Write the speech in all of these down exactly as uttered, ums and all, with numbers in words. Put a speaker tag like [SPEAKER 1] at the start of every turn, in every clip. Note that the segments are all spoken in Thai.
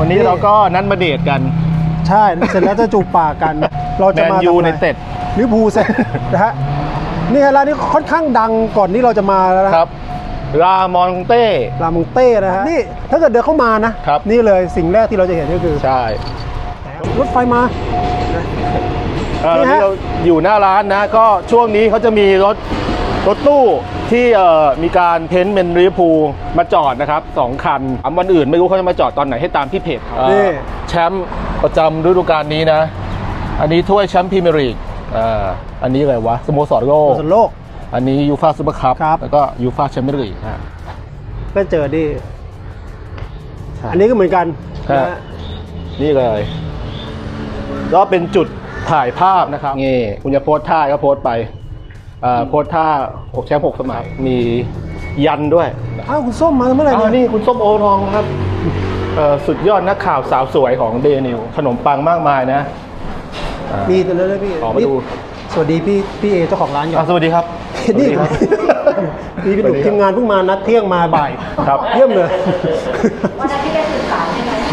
[SPEAKER 1] วันนี้เราก็นัดมาเดทกัน
[SPEAKER 2] ใช่เสร็จแล้วจะจูบปากกันเราจะมา
[SPEAKER 1] แมนยูในเต็ด
[SPEAKER 2] ลิเวอร์พูลเสร็จนะฮะนี่ร้านนี้ค่อนข้างดังก่อนที่เราจะมาแล้วนะครับ
[SPEAKER 1] รามอนเต้
[SPEAKER 2] รามอนเต้นะฮะนี่ถ้าเกิดเดินเข้ามานะครับนี่เลยสิ่งแรกที่เราจะเห็นก็คือ
[SPEAKER 1] ใช่
[SPEAKER 2] รถไฟมา
[SPEAKER 1] นี่ฮะเราอยู่หน้าร้านนะก็ช่วงนี้เขาจะมีรถรถตู้ที่มีการเพ้นท์เป็นลิเวอร์พูลมาจอดนะครับสองคันวันอื่นไม่รู้เขาจะมาจอดตอนไหนให้ตามที่เพจแชมป์ประจำฤดูกาลนี้นะอันนี้ถ้วยแชมป์พรีเมียร์ลีกอ่าอันนี้อะไรวะสโมสรโลก
[SPEAKER 2] โลก
[SPEAKER 1] อันนี้ยูฟ่าซูเปอร์คัพแล้วก็ยูฟ่าแชมเปี้ยนลีก
[SPEAKER 2] ก็เจอดิอันนี้ก็เหมือนกัน
[SPEAKER 1] นี่เลยก็เป็นจุดถ่ายภาพนะครับนี่คุณจะโพสท่าก็โพสไปโพสท่าหกแชมป์หกสมัยมียันด้วย
[SPEAKER 2] อ้าวคุณส้มมาเมื่อไหร่เนี่ย
[SPEAKER 1] นี่คุณส้มโอทองครับสุดยอดนักข่าวสาวสวยของเดนิวขนมปังมากมายนะ
[SPEAKER 2] มีตัวนั้นด้วยพี่
[SPEAKER 1] ออกมาดู
[SPEAKER 2] สวัสดีพี่พี่เอเจ้าของร้านอยู่
[SPEAKER 1] สวัสดีครับ
[SPEAKER 2] นี่พี่พี่หนุ่มทีมงานเพิ่งมานัดเที่ยงมาบ่าย
[SPEAKER 1] ครับ
[SPEAKER 2] เยี่ยมเลย
[SPEAKER 3] วันนั้นที่ได้สื่อสารใช่ไหม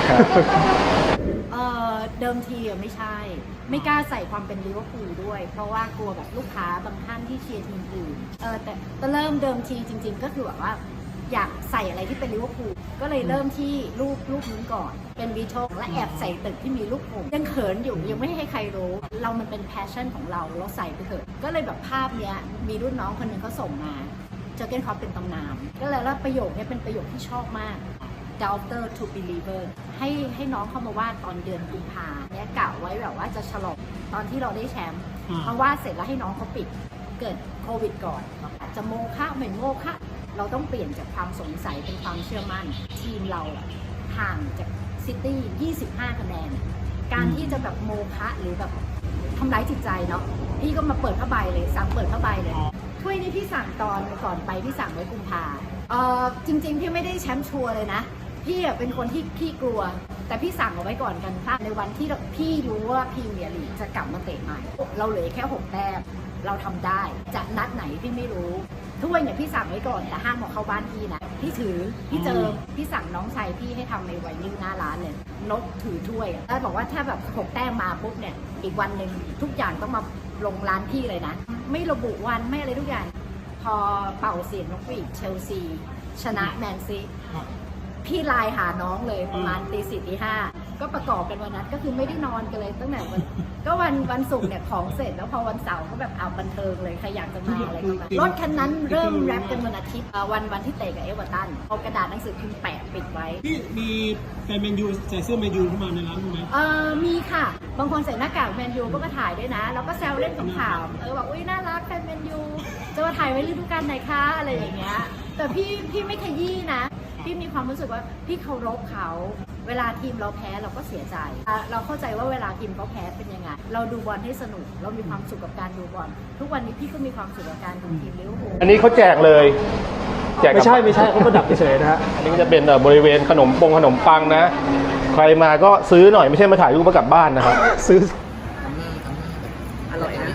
[SPEAKER 3] เดิมทีอ่ะไม่ใช่ไม่กล้าใส่ความเป็นลิเวอร์พูลด้วยเพราะว่ากลัวแบบลูกค้าบางท่านที่เชียร์ทีมอื่นเออแต่แต่เริ่มเดิมทีจริงๆก็คือแบบว่าอยากใส่อะไรที่เป็นลิเวอร์พูลก็เลยเริ่มที่รูปรูปนี้ก่อนเป็นวีโชและแอบใส่ตึกที่มีรูปผมยังเขินอยู่ยังไม่ให้ใครรู้เรามันเป็นแพชชั่นของเราเราใส่ไปเถอะก็เลยแบบภาพเนี้ยมีรุ่นน้องคนหนึ่งเขาส่งมาเจอเก้นคอปเป็นตำนานก็เลยว่าประโยคนี้เป็นประโยคที่ชอบมาก Doubter to believer ให้ให้น้องเข้ามาวาดตอนเดือนกุมภาเนี่ยกะไว้แบบว่าจะฉลองตอนที่เราได้แชมป์เพราะว่าเสร็จแล้วให้น้องเขาปิดเกิดโควิดก่อนจะโมฆะไม่โมฆะเราต้องเปลี่ยนจากความสงสัยเป็นความเชื่อมั่นทีมเราห่างจากซิตี้ยี่สิบห้าคะแนนการที่จะแบบโมฆะหรือแบบทำร้ายจิตใจเนาะพี่ก็มาเปิดผ้าใบเลยสั่งเปิดผ้าใบเลยถ้วยนี้พี่สั่งตอนก่อนไปพี่สั่งไว้กุมภาเออจริงๆพี่ไม่ได้แชมป์ชัวร์เลยนะพี่เป็นคนที่ขี้กลัวแต่พี่สั่งเอาไว้ก่อนกันค่ะในวันที่พี่รู้ว่าพรีเมียร์ลีกจะกลับมาเตะใหม่เราเหลือแค่หกแต้มเราทำได้จะนัดไหนพี่ไม่รู้ถ้วยเนี่ยพี่สั่งไว้ก่อนแต่ห้ามเอาเข้าบ้านพี่นะพี่ถือพี่เจอพี่สั่งน้องชายพี่ให้ทำในไวนิ่งหน้าร้านเลยนกถือถ้วยแล้วบอกว่าถ้าแบบหกแต้มมาปุ๊บเนี่ยอีกวันหนึ่งทุกอย่างต้องมาลงร้านพี่เลยนะไม่ระบุวันไม่อะไรทุกอย่างพอเป่าเสียงนกหวีดเชลซีชนะแมนซีพี่ไลน์หาน้องเลยประมาณตีสี่ตีห้าก็ประกอบกันวันนั้นก็คือไม่ได้นอนกันเลยตั้งแต่วันก็วันวันศุกร์เนี่ยของเสร็จแล้วพอวันเสาร์ก็แบบเอาบันเทิงเลยใครอยากจะมาอะไรก็มารถคันนั้นเริ่มแรปกันวันอาทิตย์วันวันที่เตะกับเอเวอร์ตันเอากระดาษหนังสือพิมพ์แปะปิดไว้
[SPEAKER 4] พี่มีแฟนแมนยูใส่เสื้อแมนยูเข้ามาในร้านไหม
[SPEAKER 3] เออมีค่ะบางคนใส่หน้ากากแมนยูก็มาถ่ายด้วยนะแล้วก็แซวเล่นขำๆเออบอกอุ้ยน่ารักแฟนแมนยูจะมาถ่ายไว้ฤดูกาลไหนคะอะไรอย่างเงี้ยแต่พี่พี่ไม่ขยี้นะพี่มีความรู้สึกว่าพี่เคารพเขาเวลาทีมเราแพ้เราก็เสียใจเราเข้าใจว่าเวลาทีมเขาแพ้เป็นยังไงเราดูบอลให้สนุกเรามีความสุขกับการดูบอลทุกวันนี้พี่ก็มีความสุขกับการดูทีมลิเวอร์พูล
[SPEAKER 1] อันนี้เขาแจกเลย
[SPEAKER 2] แจกไม่ใช่ไม่ใช่เขาประดับเฉยๆนะฮะ
[SPEAKER 1] อันนี้จะเป็นบริเวณขนมปงขนมปังนะใครมาก็ซื้อหน่อยไม่ใช่มาถ่ายรูปมากลับบ้านนะครับ
[SPEAKER 2] ซื้อ
[SPEAKER 3] อร่อยนะ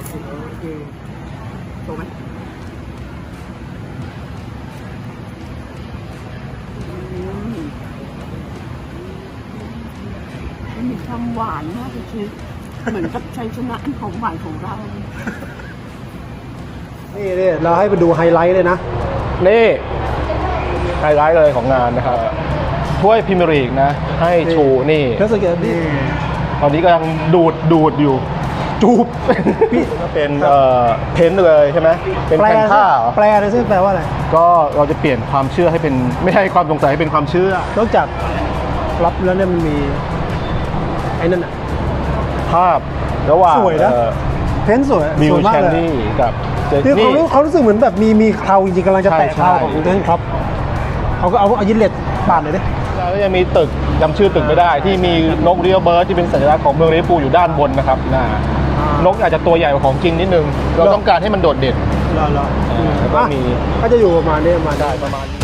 [SPEAKER 3] โตไหมมีความหวานมากเลยคือเหมือนกับชัยชนะอันของหวานของเรา
[SPEAKER 2] นี่นี่เราให้ไปดูไฮไลท์เลยนะ
[SPEAKER 1] นี่ไฮไลท์เลยของงานนะครับถ้วยพรีเมียร์ลีกนะให้ชูนี่
[SPEAKER 2] แล้วสังเกตนี่
[SPEAKER 1] ตอนนี้กำลังดูดดูดอยู่จูบพี่ก็เป็นเอ่อเพ้นเลยใช่ไหมเป็นแผ่นผ้า
[SPEAKER 2] แปลเลยซึ่งแปลว่าอะไร
[SPEAKER 1] ก็เราจะเปลี่ยนความเชื่อให้เป็นไม่ใช่ความสงสัยให้เป็นความเชื่อน
[SPEAKER 2] อกจากรับแล้วเนี่ยมันมีไอ้นั่นอะ
[SPEAKER 1] ภาพระหว่าง
[SPEAKER 2] สวยนะเพ้นสวย
[SPEAKER 1] มิวแชนนี่กับ
[SPEAKER 2] คือเขาเขารู้สึกเหมือนแบบมีมีเคราจริงๆกำลังจะแตะเคราของเทนครับเขาก็เอาเอายินเลตปาดเลยดิ
[SPEAKER 1] แล้วยังมีตึกจำชื่อตึกไม่ได้ที่มีนกเรียวเบิร์ดที่เป็นสัญลักษณ์ของเมืองลิเวอร์พูลอยู่ด้านบนนะครับนกอาจจะตัวใหญ่กว่าของจริงนิดนึงเราต้องการให้มันโดดเด่น
[SPEAKER 2] แล้ว
[SPEAKER 1] ก็มี
[SPEAKER 2] ก็จะอยู่ประมาณนี้มา
[SPEAKER 1] ได้ประมาณ